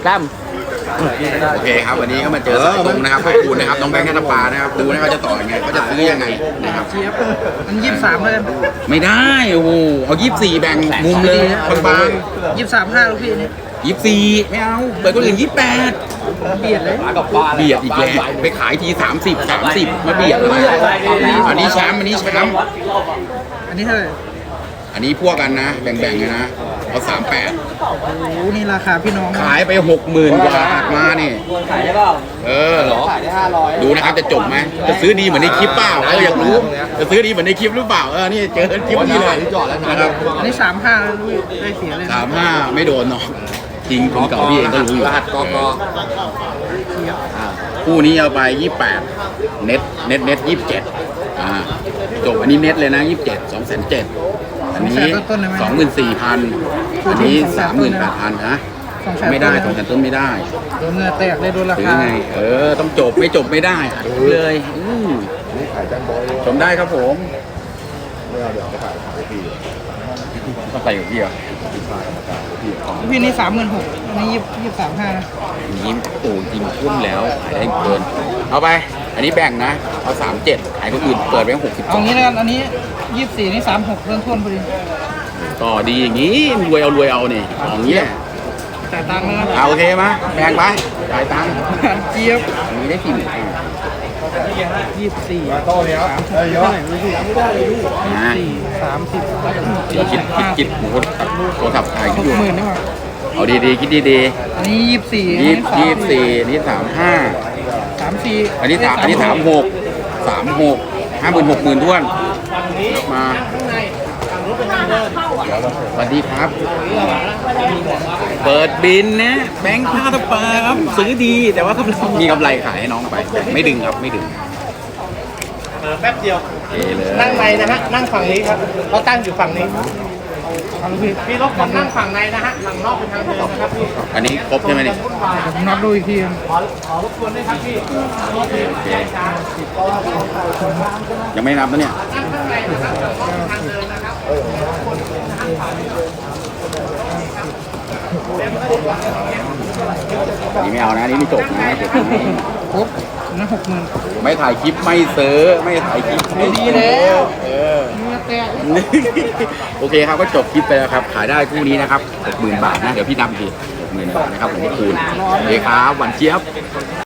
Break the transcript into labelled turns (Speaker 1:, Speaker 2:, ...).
Speaker 1: ตั้ม
Speaker 2: โอเคครับวันนี้ก็มาเจอสายตรงนะครับขอบคุณนะครับน้องแบงค์นัทปานะครับดูนะเขาจะต่อยังไงเขาจะซื้อยังไงนะครับ
Speaker 3: เจี๊ยบมัน23เลย
Speaker 2: ไม่ได้โอ้โหเอา24แบ่งมุมเลยบาง
Speaker 3: 23.5ลูกพี่นี่
Speaker 2: ๆ24ไม่เอาเปิดคนอื่น28
Speaker 3: เบียดเลย
Speaker 2: เบียดอีกแล้วไปขายที30มาเบียดอะไรอันนี้แชมป์อันนี้แชมป์
Speaker 3: อันนี้เท่าไหร่
Speaker 2: อันนี้พวกกันนะแบ่งๆกันนะเอา38
Speaker 3: โอ้โหนี่ราคาพี่น้อง
Speaker 2: ขายไป 60,000 กว่ามาเนี่ย
Speaker 1: ขายได้เปล่า
Speaker 2: เหรอ
Speaker 1: ขายได้500
Speaker 2: ดูนะครับจะจบไหมจะซื้อดีเหมือนในคลิปเปล่าอยากรู้จะซื้อดีเหมือนในคลิปหรือเปล่านี่เจอคลิปนี้เลยนะครับ
Speaker 3: อันนี้35แล้วลูกพี่ได้เสียเลยนะ
Speaker 2: 35ไม่โดนเนาะจริงคนเก่าพี่เองก็รู้อยู่คู่นี้เอาไป28เน็ต27จบอันนี้เน็ตเลยนะ27 2,700,000อันนี้24,000อันนี้38,000ฮะไม่ได้2แสนต้นไม่ได้
Speaker 3: โดนเงินแตกเลยโดนรา
Speaker 2: ซื้อ
Speaker 3: คา
Speaker 2: ไงต้องจบไม่จบไม่ได้เลยชมได้ครับผมต้องไปอยู่ที่เหรอ
Speaker 3: พี่นี่36,000อันนี้23.5นะ
Speaker 2: ยิ้มโอ้ยิงพุ่มแล้วขายได้เกินเอาไปอันนี้แบ่งนะเอา37ขายคนอื่นเปิดไป62
Speaker 3: เอางี้แล้วกันอันนี้24นี่36เริ่มต้นพอดี
Speaker 2: ต่อดีอย่างนี้รวยเอาเนี่ยอย่างนี้แหละ
Speaker 3: จ่ายตังค์แล้วนะ
Speaker 2: เอาโอเคไหมแบ่งไปจ่ายตังค์
Speaker 3: เจี๊ยบ
Speaker 2: อันนี้ได้กี่หมื่น
Speaker 3: 24โต๊ะนี้ครับเท่าไหร่ลูกพี่
Speaker 2: นะ
Speaker 3: 30
Speaker 2: คิดโทรศัพท์ถ่ายคิดอยู่
Speaker 3: 60,000ได้ป่ะ
Speaker 2: เอาดีๆคิดดี
Speaker 3: อันนี้24
Speaker 2: ๆ24อันนี้35
Speaker 3: 34
Speaker 2: อันนี้36 50,000 ท้วนมาสวัสดีครับ เปิดบินนะแบงค์ท่าตะปาครับซื้อดีแต่ว่ากำไรมีกำไรขายให้น้องไปไม่ดึงครับไม่ดึง
Speaker 4: แป๊บเดียว
Speaker 2: โอเคเลย
Speaker 4: นั่งในนะฮะ นั่งฝั่งนี้ครับเราตั้งอยู่ฝั่งนี้
Speaker 3: เอาลูกพี่
Speaker 4: พี่รบกวนนั่งฝั่งในนะฮะฝั่งนอกเป็นทางเดินนะครับพี่
Speaker 2: อันนี้ครบใช่ไหมเนี่ย
Speaker 3: ผมนับดูอีกที
Speaker 4: ขอรบกวนด้วยครับพี่
Speaker 2: โอเคยังไม่นับนะเนี่ย
Speaker 4: นั่งข้างในนะครับฝั่งนอกเป็นทางเดินนะครับ
Speaker 2: อันนี้ไม่เอานะอันนี้ไม่จบนะจบนะ
Speaker 3: ครบนั่น60,000
Speaker 2: ไม่ถ่ายคลิปไม่ซื้อไม่ถ่ายคลิปไม่ดีแล้วโอเคครับก็จบคลิปไปแล้วครับขายได้คู่นี้นะครับ60,000 บาทนะเดี๋ยวพี่นับอีกที60,000 บาทนะครับผมคูณโอเคครับหวานเจี๊ยบ